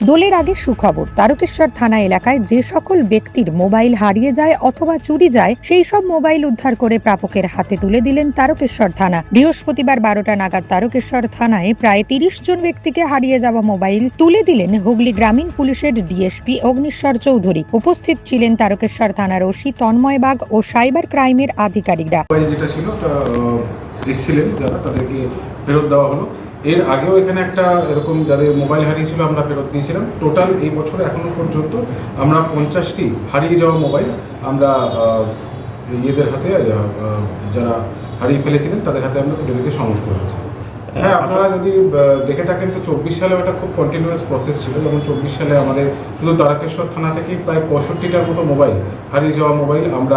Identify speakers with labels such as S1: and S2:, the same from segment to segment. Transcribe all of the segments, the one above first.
S1: দোলের আগে সুখবর, তারকেশ্বর থানা এলাকায় যে সকল ব্যক্তির মোবাইল হারিয়ে যায় অথবা চুরি যায় সেই সব মোবাইল উদ্ধার করে প্রাপকের হাতে তুলে দিলেন তারকেশ্বর থানা। বৃহস্পতিবার 12টা নাগাদ তারকেশ্বর থানায় প্রায় 30 জন ব্যক্তিকে হারিয়ে যাওয়া মোবাইল তুলে দিলেন হুগলি গ্রামীণ পুলিশের ডিএসপি অগ্নিশ্বর চৌধুরী। উপস্থিত ছিলেন তারকেশ্বর থানার ওসি তন্ময় বাগ ও সাইবার ক্রাইমের আধিকারিকরা।
S2: যেটা ছিল এসেছিলেন যারা, তাদেরকে ফেরত দেওয়া হলো। এর আগেও এখানে একটা এরকম যাদের মোবাইল হারিয়েছিল আমরা ফেরত দিয়েছিলাম। টোটাল এই বছরে এখনো পর্যন্ত আমরা 50টি হারিয়ে যাওয়া মোবাইল আমরা ইয়েদের হাতে, যারা হারিয়ে ফেলেছিলেন তাদের হাতে আমরা তুলে দিতে সমর্থ হয়েছি। হ্যাঁ, আপনারা যদি দেখে থাকেন তো 24 সালে একটা খুব কন্টিনিউয়াস প্রসেস ছিল। যেমন 24 সালে আমাদের শুধু তারকেশ্বর থানা থেকে প্রায় 65টার মতো মোবাইল, হারিয়ে যাওয়া মোবাইল আমরা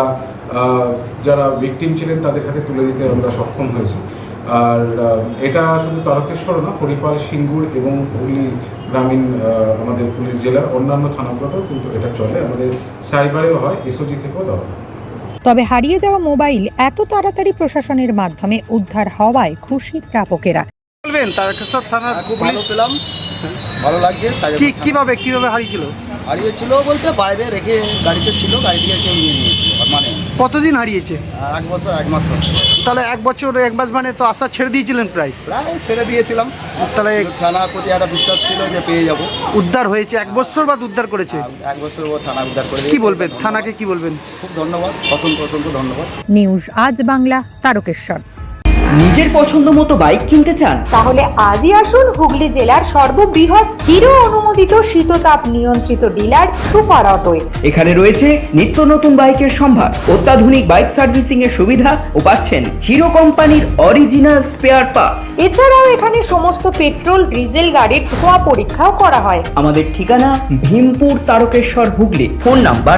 S2: যারা ভিকটিম ছিলেন তাদের হাতে তুলে দিতে আমরা সক্ষম হয়েছি। আর এটা শুধু তারকেশ্বর না, হরিপাল, সিঙ্গুর এবং হুগলি গ্রামীণ আমাদের পুলিশ জেলার অন্যান্য থানাগুলোতেও কিন্তু এটা চলে। আমাদের সাইবারেও হয়, এসওজি থেকেও দেওয়া হয়।
S1: তবে হারিয়ে যাওয়া মোবাইল এত তাড়াতাড়ি প্রশাসনের মাধ্যমে উদ্ধার হওয়ায় খুশি প্রাপকেরা।
S3: বলবেন তারকেশ্বর থানার
S4: ভালো পেলাম, ভালো লাগছে।
S3: কিভাবে হারিয়েছিল?
S4: হারিয়েছিল বলতে বাইরে রেখে গাড়িতে ছিল, গাড়ি থেকে কেউ নিয়ে নিয়েছিল। মানে
S3: কতদিন হারিয়েছে?
S4: 1 বছর 1 মাস হচ্ছে।
S3: তাহলে 1 বছর 1 মাস মানে তো আশা ছেড়ে দিয়েছিলেন প্রায়
S4: ছেড়ে দিয়েছিলাম।
S3: তাহলে
S4: থানার প্রতি একটা বিশ্বাস ছিল যে পেয়ে যাব।
S3: উদ্ধার হয়েছে, 1 বছর বাদ উদ্ধার করেছে।
S4: 1 বছর ও থানা উদ্ধার করে।
S3: কি বলবেন থানাকে, কি বলবেন?
S4: খুব ধন্যবাদ, অসংখ্য ধন্যবাদ।
S1: নিউজ আজ বাংলা, তারকেশ্বর।
S5: নিজের পছন্দ মতো বাইক কিনতে চান?
S6: তাহলে আজই আসুন হুগলি জেলার সর্ববৃহৎ হিরো অনুমোদিত শীততাপ নিয়ন্ত্রিত ডিলার সুপার অটোয়।
S5: এখানে রয়েছে নিত্য নতুন বাইকের সম্ভার, অত্যাধুনিক বাইক সার্ভিসিং এর সুবিধা ও পাচ্ছেন হিরো কোম্পানির অরিজিনাল স্পেয়ার পার্টস।
S6: এছাড়াও এখানে সমস্ত পেট্রোল ডিজেল গাড়ির ধোঁয়া পরীক্ষাও করা হয়।
S5: আমাদের ঠিকানা ভীমপুর, তারকেশ্বর, হুগলি। ফোন নাম্বার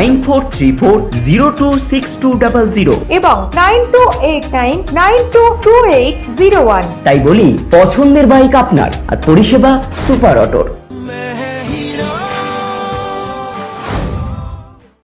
S5: 9434026200
S6: এবং 9289922801।
S5: তাই বলি, পছন্দের বাইক আপনার আর পরিষেবা সুপার অটোর।